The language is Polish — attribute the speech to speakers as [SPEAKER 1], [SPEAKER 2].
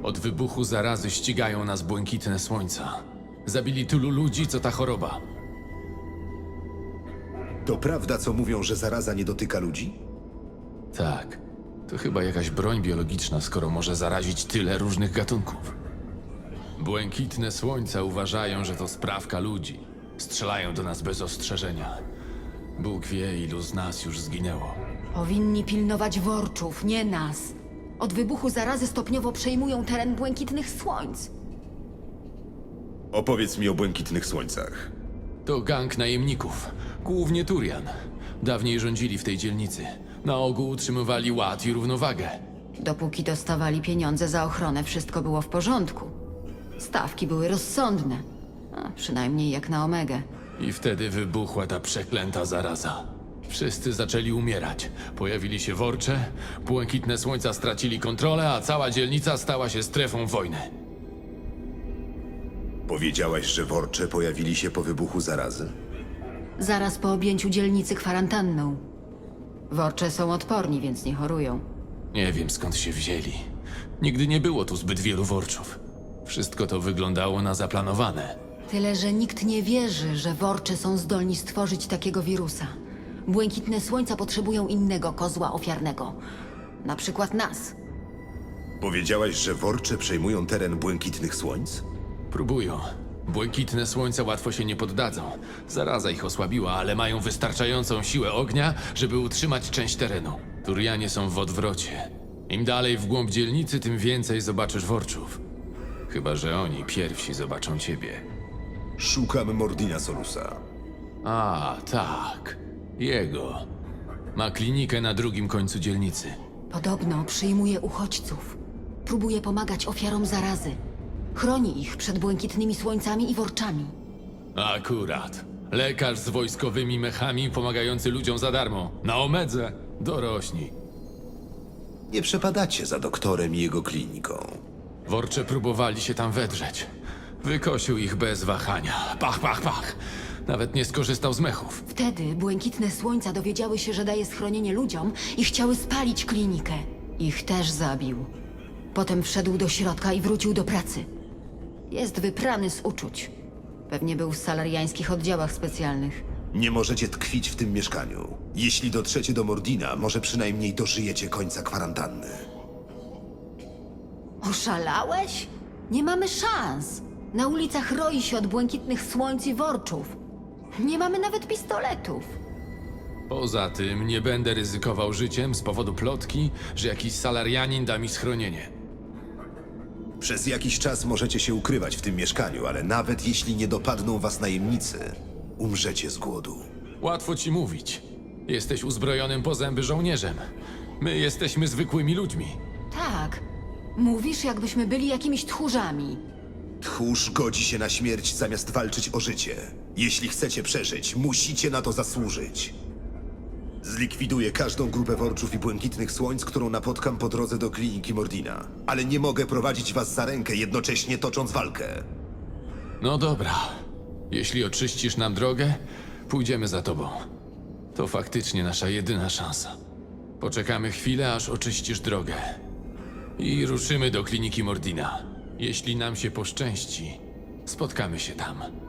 [SPEAKER 1] Od wybuchu zarazy ścigają nas błękitne słońca. Zabili tylu ludzi, co ta choroba.
[SPEAKER 2] To prawda, co mówią, że zaraza nie dotyka ludzi?
[SPEAKER 1] Tak, to chyba jakaś broń biologiczna, skoro może zarazić tyle różnych gatunków. Błękitne słońca uważają, że to sprawka ludzi. Strzelają do nas bez ostrzeżenia. Bóg wie, ilu z nas już zginęło.
[SPEAKER 3] Powinni pilnować worczów, nie nas. Od wybuchu zarazy stopniowo przejmują teren błękitnych słońc.
[SPEAKER 2] Opowiedz mi o błękitnych słońcach.
[SPEAKER 1] To gang najemników, głównie Turian. Dawniej rządzili w tej dzielnicy. Na ogół utrzymywali ład i równowagę.
[SPEAKER 3] Dopóki dostawali pieniądze za ochronę, wszystko było w porządku. Stawki były rozsądne. A przynajmniej jak na Omegę.
[SPEAKER 1] I wtedy wybuchła ta przeklęta zaraza. Wszyscy zaczęli umierać. Pojawili się worcze, błękitne słońca stracili kontrolę, a cała dzielnica stała się strefą wojny.
[SPEAKER 2] Powiedziałaś, że worcze pojawili się po wybuchu zarazy?
[SPEAKER 3] Zaraz po objęciu dzielnicy kwarantanną. Worcze są odporni, więc nie chorują.
[SPEAKER 1] Nie wiem, skąd się wzięli. Nigdy nie było tu zbyt wielu worczów. Wszystko to wyglądało na zaplanowane.
[SPEAKER 3] Tyle, że nikt nie wierzy, że worcze są zdolni stworzyć takiego wirusa. Błękitne słońca potrzebują innego kozła ofiarnego. Na przykład nas.
[SPEAKER 2] Powiedziałaś, że worcze przejmują teren błękitnych słońc?
[SPEAKER 1] Próbują. Błękitne słońca łatwo się nie poddadzą. Zaraza ich osłabiła, ale mają wystarczającą siłę ognia, żeby utrzymać część terenu. Turianie są w odwrocie. Im dalej w głąb dzielnicy, tym więcej zobaczysz worczów. Chyba że oni pierwsi zobaczą ciebie.
[SPEAKER 2] Szukam Mordina Solusa.
[SPEAKER 1] A, tak. Jego. Ma klinikę na drugim końcu dzielnicy.
[SPEAKER 3] Podobno przyjmuje uchodźców. Próbuje pomagać ofiarom zarazy. Chroni ich przed błękitnymi słońcami i worczami.
[SPEAKER 1] Akurat. Lekarz z wojskowymi mechami pomagający ludziom za darmo. Na Omedze. Dorośli.
[SPEAKER 2] Nie przepadacie za doktorem i jego kliniką.
[SPEAKER 1] Worcze próbowali się tam wedrzeć. Wykosił ich bez wahania. Pach, pach, pach. Nawet nie skorzystał z mechów.
[SPEAKER 3] Wtedy błękitne słońca dowiedziały się, że daje schronienie ludziom i chciały spalić klinikę. Ich też zabił. Potem wszedł do środka i wrócił do pracy. Jest wyprany z uczuć. Pewnie był w salariańskich oddziałach specjalnych.
[SPEAKER 2] Nie możecie tkwić w tym mieszkaniu. Jeśli dotrzecie do Mordina, może przynajmniej dożyjecie końca kwarantanny.
[SPEAKER 3] Oszalałeś? Nie mamy szans. Na ulicach roi się od błękitnych słońc i worczów. Nie mamy nawet pistoletów.
[SPEAKER 1] Poza tym nie będę ryzykował życiem z powodu plotki, że jakiś salarianin da mi schronienie.
[SPEAKER 2] Przez jakiś czas możecie się ukrywać w tym mieszkaniu, ale nawet jeśli nie dopadną was najemnicy, umrzecie z głodu.
[SPEAKER 1] Łatwo ci mówić. Jesteś uzbrojonym po zęby żołnierzem. My jesteśmy zwykłymi ludźmi.
[SPEAKER 3] Tak. Mówisz, jakbyśmy byli jakimiś tchórzami.
[SPEAKER 2] Tchórz godzi się na śmierć zamiast walczyć o życie. Jeśli chcecie przeżyć, musicie na to zasłużyć. Zlikwiduję każdą grupę worczów i błękitnych słońc, którą napotkam po drodze do kliniki Mordina. Ale nie mogę prowadzić was za rękę, jednocześnie tocząc walkę.
[SPEAKER 1] No dobra. Jeśli oczyścisz nam drogę, pójdziemy za tobą. To faktycznie nasza jedyna szansa. Poczekamy chwilę, aż oczyścisz drogę. I ruszymy do kliniki Mordina. Jeśli nam się poszczęści, spotkamy się tam.